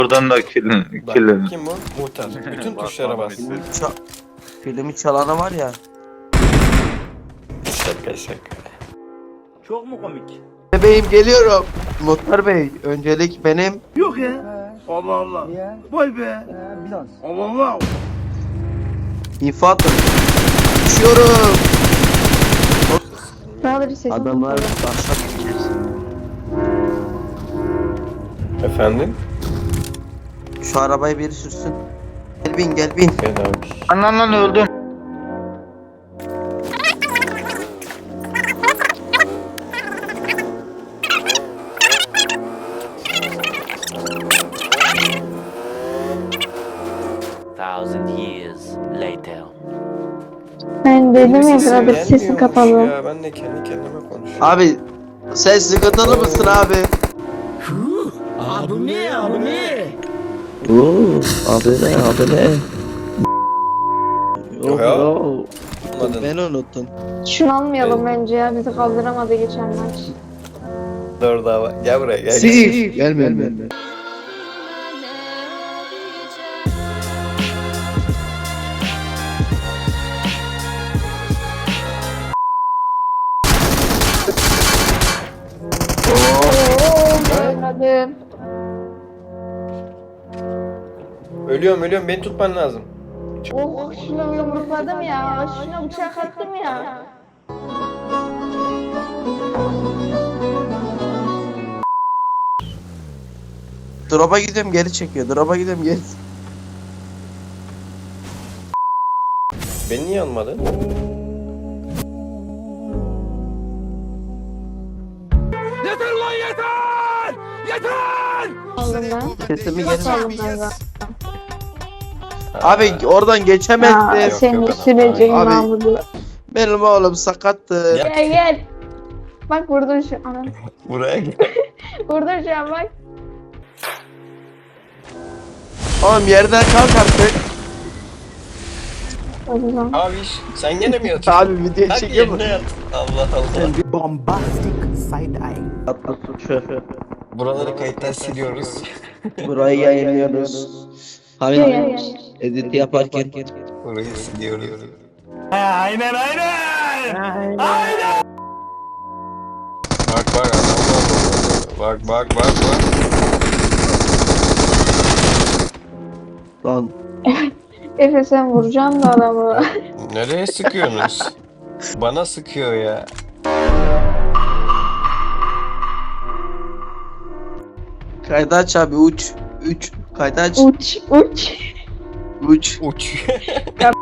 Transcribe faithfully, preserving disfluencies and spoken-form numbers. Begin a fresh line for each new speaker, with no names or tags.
Buradan da kilin.
Bak,
kilin.
kim bu? Muhtar. Bütün tuşlara bas.
Ça filmi çalanı var ya.
Şaka şaka.
Çok mu komik?
Bebeğim geliyorum. Muhtar Bey, öncelik benim.
Yok ya. Allah Allah. Vay be. Allah Allah.
İnfa atın. Düşüyorum. Adamlar başa geçer.
Efendim?
Şu arabayı biri sürsün. Gel bin gel bin.
Gel abi.
Anan lan öldüm.
Thousand years later.
Ben dedim ya
Sesim
sırada sesin
gelmiyormuş
kapalı.
Ya, ben de kendi kendime konuşuyorum.
Abi sen sıkıntılı mısın abi?
Abi ne abi ne?
Oo, abi ne abi ne?
Yok ya.
Yo.
Anladın.
Ben unuttum.
Şunu almayalım bence ya, bizi kaldıramadı geçen maç.
Dur daha var. Gel buraya gel.
Si. Gelme gelme.
Ooo görmedim.
Ölüyorum ölüyorum, beni tutman lazım.
Oh şunu yumrukladım ya, şuna bıçak attım ya.
Drop'a gidiyorum geri çekiyor. Drop'a gidiyorum geri.
Beni niye almadın?
Yeter lan yeter! Yeter!
Aldım ben.
Sesimi geri.
Aldım ben zaten.
Abi oradan
Ya
geçemezdim.
yok,
senin
yok,
sürecin
abi.
Mahmut'u.
Benim oğlum sakattı.
Ya.
Gel gel. Bak vurdun şu an.
Buraya gel.
Vurdun şu an bak.
Oğlum yerden kalk artık.
O zaman.
Abi sen gene mi yatıyorsun?
Abi video
Hadi
çekiyor mu?
yerine yat. Allah Allah.
Bombastic side eye.
Atla şu.
Buraları kayıttan siliyoruz.
Burayı yayınlıyoruz.
Gel gel
Hani
gel.
edit yaparken.
Burayı siliyoruz.
Aynen aynen.
Bak bak adam var. Bak bak bak bak.
Lan
Efe sen vuracaksın da adamı.
Nereye sıkıyorsunuz? Bana sıkıyor ya.
kaydı aç abi uç. Uç. Kaydı aç.
Uç uç.
Uç.
Uç.